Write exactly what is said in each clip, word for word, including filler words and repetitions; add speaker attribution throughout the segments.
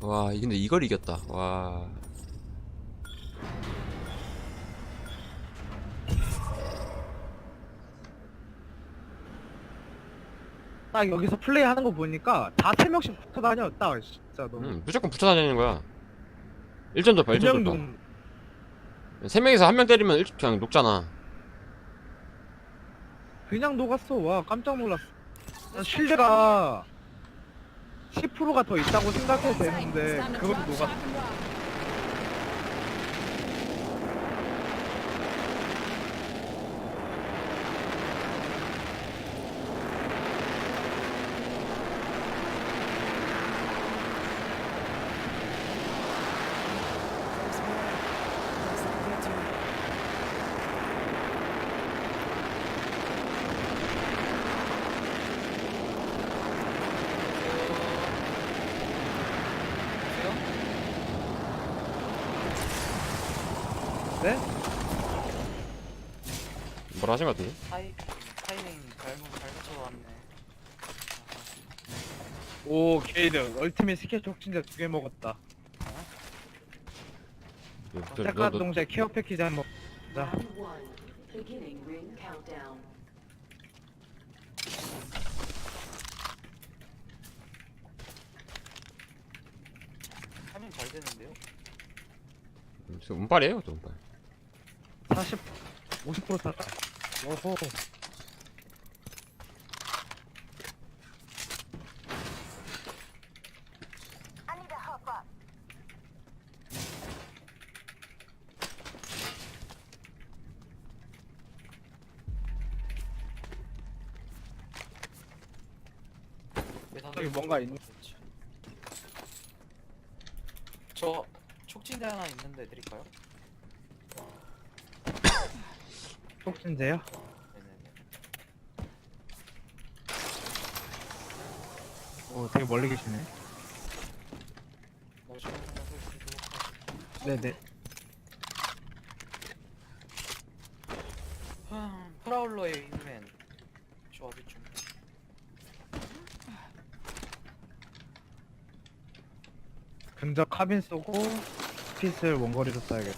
Speaker 1: 와 근데 이걸 이겼다. 와.
Speaker 2: 딱 여기서 플레이하는 거 보니까 다 세 명씩 붙어 다녔다. 진짜 너무.
Speaker 1: 음, 무조건 붙어 다니는 거야. 일 점 돌파, 일 점 돌파.
Speaker 2: 그냥
Speaker 1: 세 명이서 한 명 때리면 일, 그냥 녹잖아.
Speaker 2: 그냥 녹았어. 와 깜짝 놀랐어. 난 실드가 십 퍼센트가 더 있다고 생각해도 되는데 그것도 녹았어. 네?
Speaker 1: 뭐라 하신 것 같은데?
Speaker 3: 타이, 타이밍 잘못 잘못 쳐왔네.
Speaker 2: 오 게이드 얼티밋 스케치 촉진제 두 개 먹었다.
Speaker 1: 너, 너,
Speaker 2: 잠깐
Speaker 1: 너,
Speaker 2: 동시에 케어 패키지 한 번. 자,
Speaker 4: Round one. Beginning ring countdown.
Speaker 3: 타이밍 잘 되는데요?
Speaker 1: 음, 저 운빨이에요, 또 운빨.
Speaker 2: 사십, 오십 퍼센트 탔다. 오호. 여기 뭔가 있는.
Speaker 3: 저 촉진대 하나 있는데 드릴까요?
Speaker 2: 촉진제요?
Speaker 3: 네네네.
Speaker 2: 오 되게 멀리 계시네.
Speaker 3: 나중에 생각을 드리도록 하겠습니다.
Speaker 2: 네네.
Speaker 3: 흠, 프라울러의 윙맨 조합이 좀
Speaker 2: 근접 카빈 쏘고 스핏을 원거리로 쏴야겠다.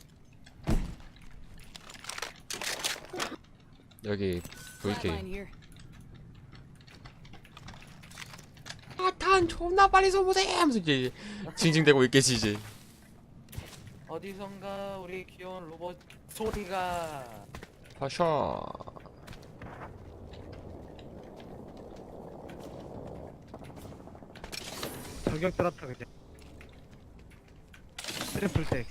Speaker 1: 여기
Speaker 4: Flatline
Speaker 1: 브이케이.
Speaker 4: here.
Speaker 1: 아, 탄 존나 빨리 쏘보세! 하면서 이제 징징대고 있겠지, 이제.
Speaker 3: 어디선가 우리 귀여운 로봇 소리가
Speaker 1: 파샤.
Speaker 2: 저격 들었다 그제. 트리플 텍.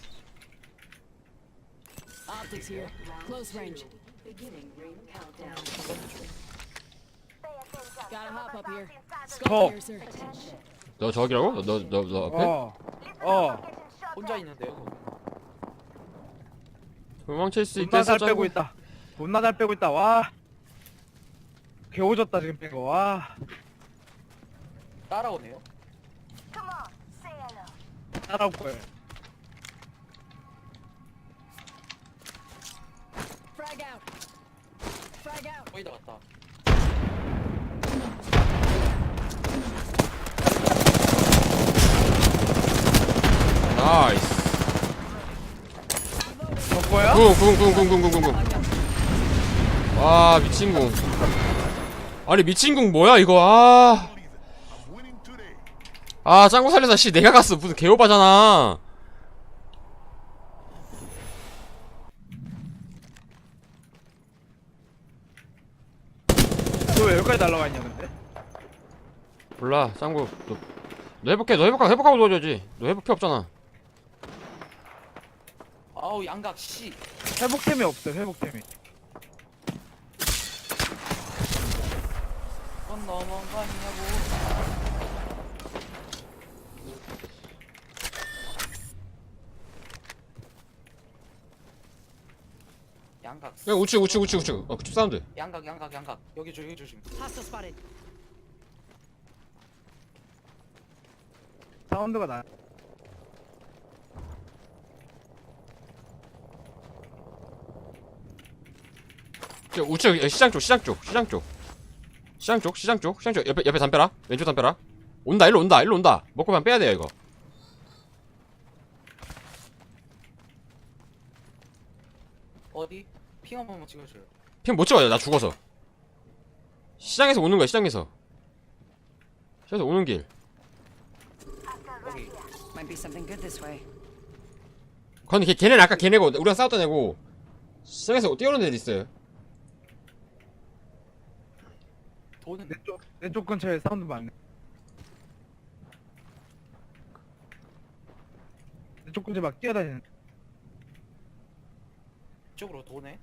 Speaker 4: Optics here. Close range. Beginning ring countdown.
Speaker 5: Got
Speaker 4: Gotta hop up here.
Speaker 2: Oh.
Speaker 4: Skull piercer.
Speaker 1: 너 저기라고? 너, 너, 너 앞에?
Speaker 2: 어. 어.
Speaker 3: 혼자 있는데요.
Speaker 1: 도망칠 수
Speaker 2: 존나 잘
Speaker 1: 있겠어,
Speaker 2: 빼고
Speaker 1: 짱구.
Speaker 2: 있다. 존나 잘 빼고 있다. 와. 개오졌다 지금 뺀거. 와.
Speaker 3: 따라오네요.
Speaker 2: 따라올 거예요.
Speaker 4: Frag out. Frag out.
Speaker 3: 거의 다 왔다.
Speaker 1: 나이스.
Speaker 2: 저 거야?
Speaker 1: 궁, 궁, 궁, 궁, 궁, 궁, 궁. 와, 미친 궁. 아니, 미친 궁 뭐야, 이거, 아. 아, 짱구 살려서, 씨, 내가 갔어. 무슨 개오바잖아.
Speaker 2: 너 왜 여기까지 날라와 있냐 근데?
Speaker 1: 몰라, 짱구. 너, 너 회복해, 너 회복하고, 회복하고 도와줘야지. 너 회복해 없잖아.
Speaker 3: 아우 양각 씨.
Speaker 2: 회복템이 없어. 회복템이.
Speaker 3: 그건 너무한 거 아니냐고. 양각.
Speaker 1: 야, 우측, 우측, 우측, 우측. 어, 그쪽 사운드.
Speaker 3: 양각 양각 양각. 여기 조심 조심.
Speaker 4: Hostile spotted.
Speaker 2: 사운드가 나.
Speaker 1: 저 우측, 야, 시장 쪽, 시장 쪽, 시장 쪽. 시장 쪽, 시장 쪽, 시장 쪽. 옆에, 옆에 담벼라. 왼쪽 담벼라. 온다, 일로 온다, 일로 온다. 먹고만 빼야 돼요, 이거.
Speaker 3: 어디? 핑 한 번만 찍어줘요.
Speaker 1: 핑 못 찍어요. 나 죽어서. 시장에서 오는 거야. 시장에서. 시장에서 오는 길.
Speaker 3: 여기.
Speaker 4: Might be something good this way.
Speaker 1: 근데 걔, 걔네는 아까 걔네고 우리가 싸웠던 애고 시장에서 뛰어오는 애들 있어요.
Speaker 3: 도는
Speaker 2: 내 쪽 내 쪽 근처에 사운드 많네. 내 쪽 근처에 막 뛰어다니는.
Speaker 3: 쪽으로 도네.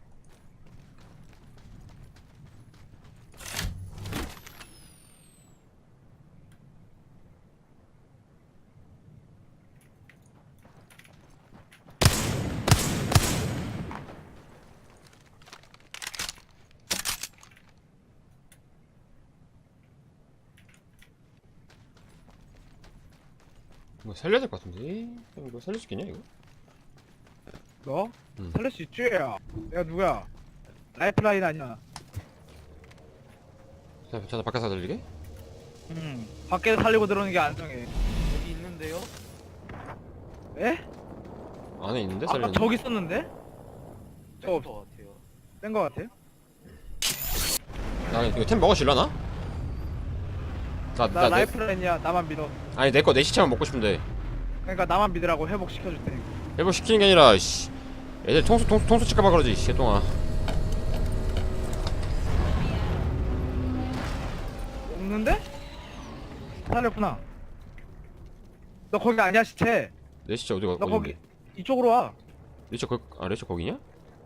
Speaker 1: 이거 살려야 될 것 같은데. 이거 살릴 수 있겠냐 이거?
Speaker 2: 너?
Speaker 1: 응.
Speaker 2: 살릴 수 있지? 야. 내가 누구야? 라이프라인 아니야.
Speaker 1: 자, 자 바깥에서 들리게?
Speaker 2: 응. 밖에서 살리고 들어오는 게 안정해.
Speaker 3: 여기 있는데요?
Speaker 2: 에?
Speaker 1: 안에 있는데
Speaker 2: 아까
Speaker 1: 살리는.
Speaker 2: 저기 있었는데? 저
Speaker 3: 뺀거 같아요.
Speaker 2: 뺀 거 같아?
Speaker 1: 나 이거 템 먹어줄라나? 나,
Speaker 2: 나
Speaker 1: 나, 내,
Speaker 2: 라이프라인이야. 나만 믿어.
Speaker 1: 아니 내 거 내 시체만 먹고 싶은데
Speaker 2: 그러니까 나만 믿으라고 회복시켜줄 테니까.
Speaker 1: 회복 시키는 게 아니라 씨 애들 통수 통수 통수 칠까봐 그러지 씨 동아.
Speaker 2: 없는데? 살렸구나. 너 거기 아니야 시체.
Speaker 1: 내 시체 어디가
Speaker 2: 너 거기
Speaker 1: 어딘데?
Speaker 2: 이쪽으로 와.
Speaker 1: 레이저 거, 아 레이저 거기냐?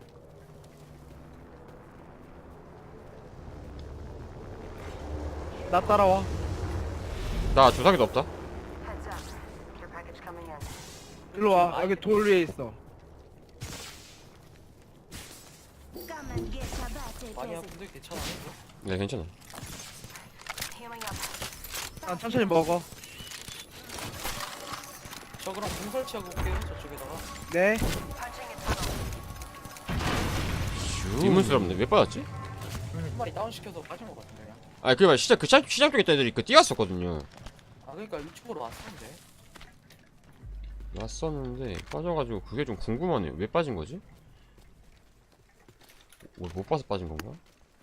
Speaker 2: 나 따라와.
Speaker 1: 나 주사기도 없다.
Speaker 5: Heads up. Your package coming in.
Speaker 2: 일로 와. 여기 돌 위에 있어.
Speaker 3: 많이 아픈데 괜찮아요? 이거?
Speaker 1: 네 괜찮아.
Speaker 5: Healing up.
Speaker 2: 난 천천히 먹어.
Speaker 3: 저 그럼 공 설치하고 올게요. 저쪽에다가.
Speaker 2: 네.
Speaker 5: Punching a tunnel.
Speaker 1: 의문스럽네. 왜 빠졌지?
Speaker 3: 한 마리 다운 시켜서 빠진 것 같은데 그냥.
Speaker 1: 아니 그게 말 시장 그 시장, 시장 쪽에 있던 애들이 그 뛰었었거든요.
Speaker 3: 아 그러니까 이쪽으로 왔었는데.
Speaker 1: 왔었는데 빠져가지고 그게 좀 궁금하네요. 왜 빠진 거지? 뭐, 못 봐서 빠진 건가?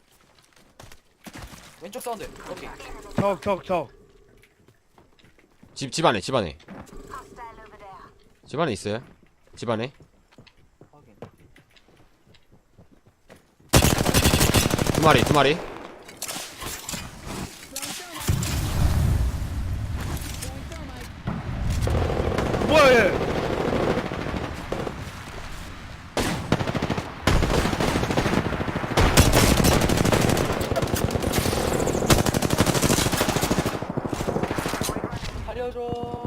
Speaker 3: 왼쪽 사운드. 여기.
Speaker 2: 적, 적, 적.
Speaker 1: 집, 집 안에, 집 안에.
Speaker 5: Hostile over there.
Speaker 1: 집 안에 있어요. 집 안에.
Speaker 3: 확인.
Speaker 1: 두 마리, 두 마리.
Speaker 2: 뭐야 얘?
Speaker 3: 살려줘.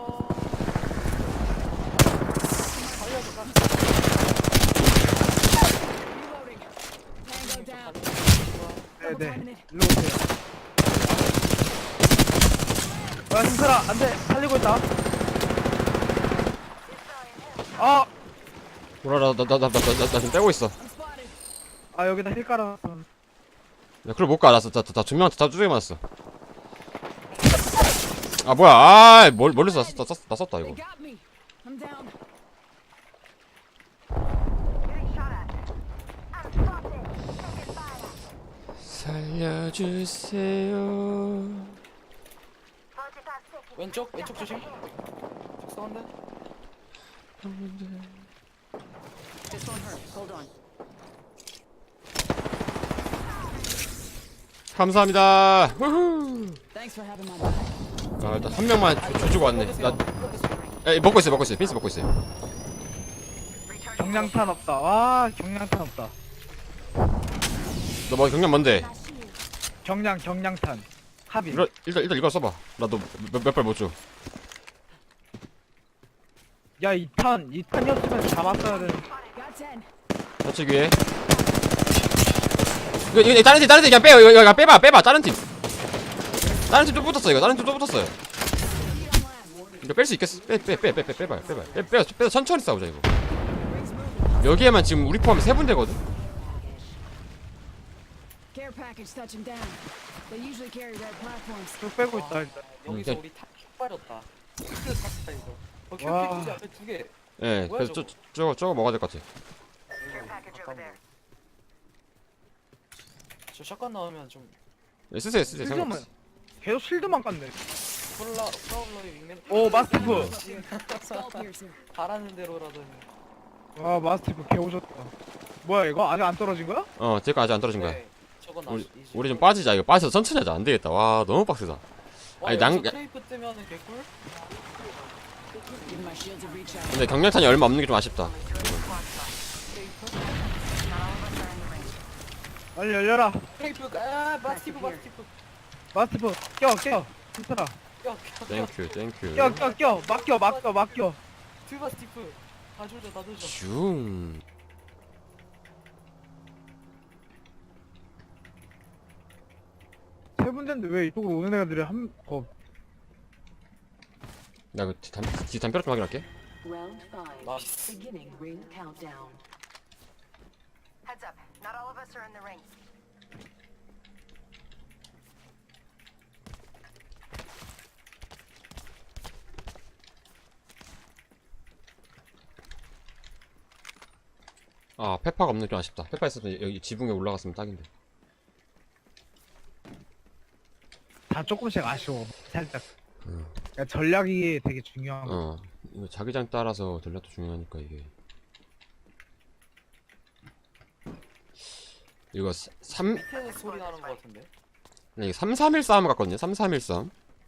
Speaker 3: 살려줘.
Speaker 4: Tango down.
Speaker 2: 네네. 일로 오세요. 야 힘들어. 안돼. 살리고 있다. 아,
Speaker 1: 뭐라, 나, 나, 나, 나, 나, 나, 나 지금 빼고 있어.
Speaker 4: I'm spotted.
Speaker 2: 아 여기다 힐 깔아놨어.
Speaker 1: 야, 그걸 못 가. 나, 나, 나, 나, 두 명한테 다 두개 맞았어. 아, 뭐야. 아, 멀, 멀리서 나 썼다, 썼- 나 썼다,
Speaker 4: They
Speaker 1: 이거.
Speaker 4: got me. I'm down.
Speaker 5: Getting shot at. I'm spotted. Taking fire.
Speaker 1: 살려주세요.
Speaker 5: forty-five seconds.
Speaker 3: 왼쪽 왼쪽 조심. 쪽 사운드.
Speaker 4: This won't hurt. Hold on.
Speaker 1: 감사합니다. 후후.
Speaker 4: Thanks for having my back.
Speaker 1: 아, 일단 한 명만 줘- 줘주고 왔네. 나, 에, 먹고 있어요, 먹고 있어요. 빈스 먹고 있어요.
Speaker 2: 경량탄 없다. 와 경량탄 없다.
Speaker 1: 너 뭐 경량 뭔데?
Speaker 2: 경량 경량탄. 합의.
Speaker 1: 일단, 일단, 일단 이거 써봐. 나도 몇 발 못 줘.
Speaker 2: 야 이 탄, 이 탄이었으면 잡았어야 되는.
Speaker 4: Got ten.
Speaker 1: 좌측 위에. 이거, 이거, 다른 팀, 다른 팀 그냥 빼요. 이거, 이거 빼봐, 빼봐. 다른 팀. 다른 팀 또 붙었어, 이거. 다른 팀 또 붙었어요. 이거 뺄 수 있겠어? 빼, 빼, 빼, 빼, 빼, 빼봐, 빼봐. 빼, 빼, 빼, 천천히 싸우자, 이거. 여기에만 지금 우리 포함해 세 군데거든?
Speaker 4: Care package touching down. They usually carry red platforms.
Speaker 2: 쭉 빼고 있다 일단.
Speaker 3: 여기서
Speaker 1: 음,
Speaker 3: 우리 탑 빠졌다. 이거 샀다 이거. 어
Speaker 2: 와.
Speaker 3: 큐피 두개 앞에 두 개.
Speaker 1: 예,
Speaker 3: 뭐야,
Speaker 1: 그래서 저, 저거, 저거 먹어야 될 것 같아.
Speaker 5: Care package over there.
Speaker 3: 저 샷건 나오면 좀
Speaker 1: 쓰세요 쓰세요
Speaker 2: 실드만
Speaker 1: 상관없어.
Speaker 2: 계속 실드만 깠네.
Speaker 3: 콜라 프라울러의 윙맨.
Speaker 2: 오 마스티프.
Speaker 4: Skull piercer.
Speaker 3: 바라는 대로라더니.
Speaker 2: 아 마스티프 개오졌다. 뭐야 이거 아직 안 떨어진 거야?
Speaker 1: 어 제거 아직 안 떨어진 거야.
Speaker 3: 네. 저건 나.
Speaker 1: 우리 우리 좀 빠지자. 이거 빠져서 천천히 하자. 안 되겠다. 와 너무 빡세다. 아니, 낭-
Speaker 3: 크레이프 뜨면은 개꿀.
Speaker 4: Give my shields a reach out.
Speaker 1: 근데 경량탄이 얼마 없는 게 좀 아쉽다.
Speaker 2: 빨리 열려라.
Speaker 3: 크레이프. 아 마스티프 마스티프.
Speaker 2: 마스티프 껴 껴. 괜찮아.
Speaker 3: 야,
Speaker 1: 땡큐 땡큐.
Speaker 2: 껴 껴 껴. 맡겨 맡겨 맡겨.
Speaker 3: 두 마스티프. 다 조져 다 조져.
Speaker 1: 슝.
Speaker 2: 세 군데인데 왜 이쪽으로 오는 애들이 한 어.
Speaker 1: 나그 담, 뒤 담벼락 좀 확인할게.
Speaker 4: Round five.
Speaker 3: 나이스.
Speaker 4: Beginning ring countdown.
Speaker 5: Heads up. Not all of us are in the ring.
Speaker 1: 아 페파가 없는 게 좀 아쉽다. 페파 있었으면 여기 지붕에 올라갔으면 딱인데.
Speaker 2: 다 조금씩 아쉬워. 살짝.
Speaker 1: 음.
Speaker 2: 그러니까 전략이 되게 중요한 거.
Speaker 1: 어 이거 자기장 따라서 전략도 중요하니까 이게. 이거 삼
Speaker 3: 밑에서 소리 나는 거 같은데.
Speaker 1: 이게 삼삼일 싸움 같거든요. 삼삼일 싸움.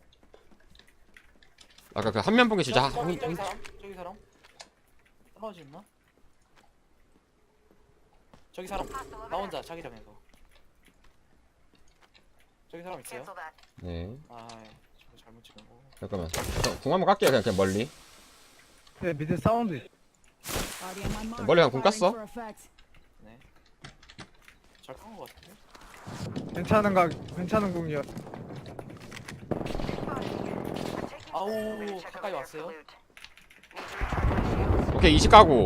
Speaker 1: 아까 그 한면 본게 진짜
Speaker 3: 저기,
Speaker 1: 한-
Speaker 3: 저기, 저기
Speaker 1: 한-
Speaker 3: 사람? 저기 사람? 떨어졌나? 저기 사람 나 혼자 자기장에서. 저기 사람 있어요?
Speaker 5: Cancel that.
Speaker 1: 네.
Speaker 3: 아, 저거 잘못 찍은 거.
Speaker 1: 잠깐만. 저, 궁 한번 깎게요. 그냥, 그냥 멀리.
Speaker 2: 근데 밑에 사운드 있-
Speaker 4: Body on my mark.
Speaker 1: 멀리 가면 궁
Speaker 4: Firing
Speaker 1: 깠어?
Speaker 4: for effect.
Speaker 3: 네. 잘깐거 같은데?
Speaker 2: 괜찮은 가 괜찮은 궁이야.
Speaker 5: I'm taking
Speaker 3: 아우,
Speaker 5: a minute to check
Speaker 3: 가까이
Speaker 5: over there for
Speaker 3: 왔어요?
Speaker 5: loot. Need to recharge my shields.
Speaker 1: 오케이 이십 가고.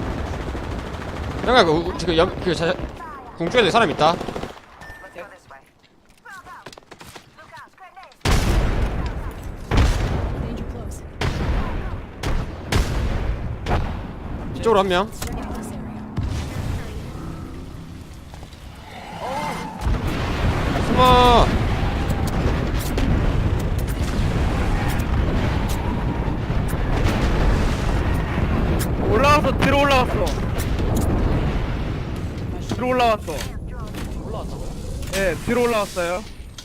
Speaker 1: 형아 그 지금 연, 그 자, 궁 쪽에도 사람 있다.
Speaker 5: Let's go this way. Frog out. Look out. Grenade.
Speaker 4: Danger close.
Speaker 1: 이쪽으로 한 명.
Speaker 4: Let's check out this area.
Speaker 1: 숨어.
Speaker 2: 올라왔어. 뒤로 올라왔어. 뒤로 올라왔어.
Speaker 3: 올라왔다고요?
Speaker 2: 예, 뒤로 올라왔어요.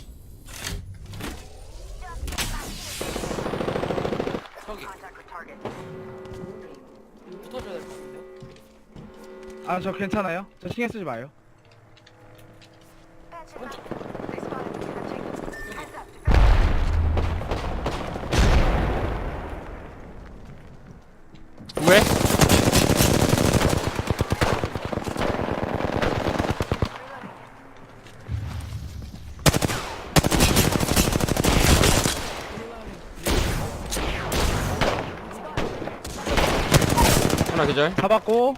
Speaker 3: 저기
Speaker 5: Contact with target.
Speaker 3: 붙어줘야 될 것 같은데요?
Speaker 2: 아, 저 괜찮아요. 저 신경 쓰지 마요.
Speaker 5: Patch it up. They spotted me. I'm taking. Heads up. Defend.
Speaker 1: 왜? 하나 계절.
Speaker 2: 잡았고.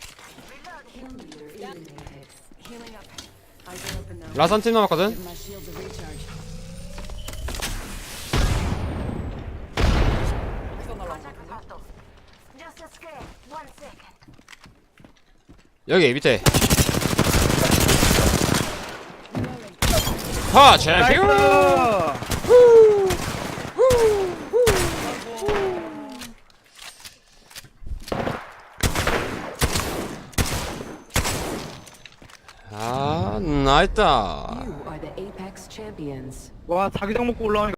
Speaker 5: Healing up.
Speaker 4: Eyes are open now.
Speaker 1: 라산 팀 남았거든.
Speaker 4: Give my shields a recharge.
Speaker 3: 여기서 날라온 것
Speaker 5: Contact with
Speaker 3: 같은데?
Speaker 5: hostiles. Just a scan. One second.
Speaker 1: 여기 밑에. 하 챔피언.
Speaker 2: 나이스.
Speaker 1: 아 나있다.
Speaker 4: You are the Apex champions.
Speaker 2: 와, 자기장 먹고 올라오니까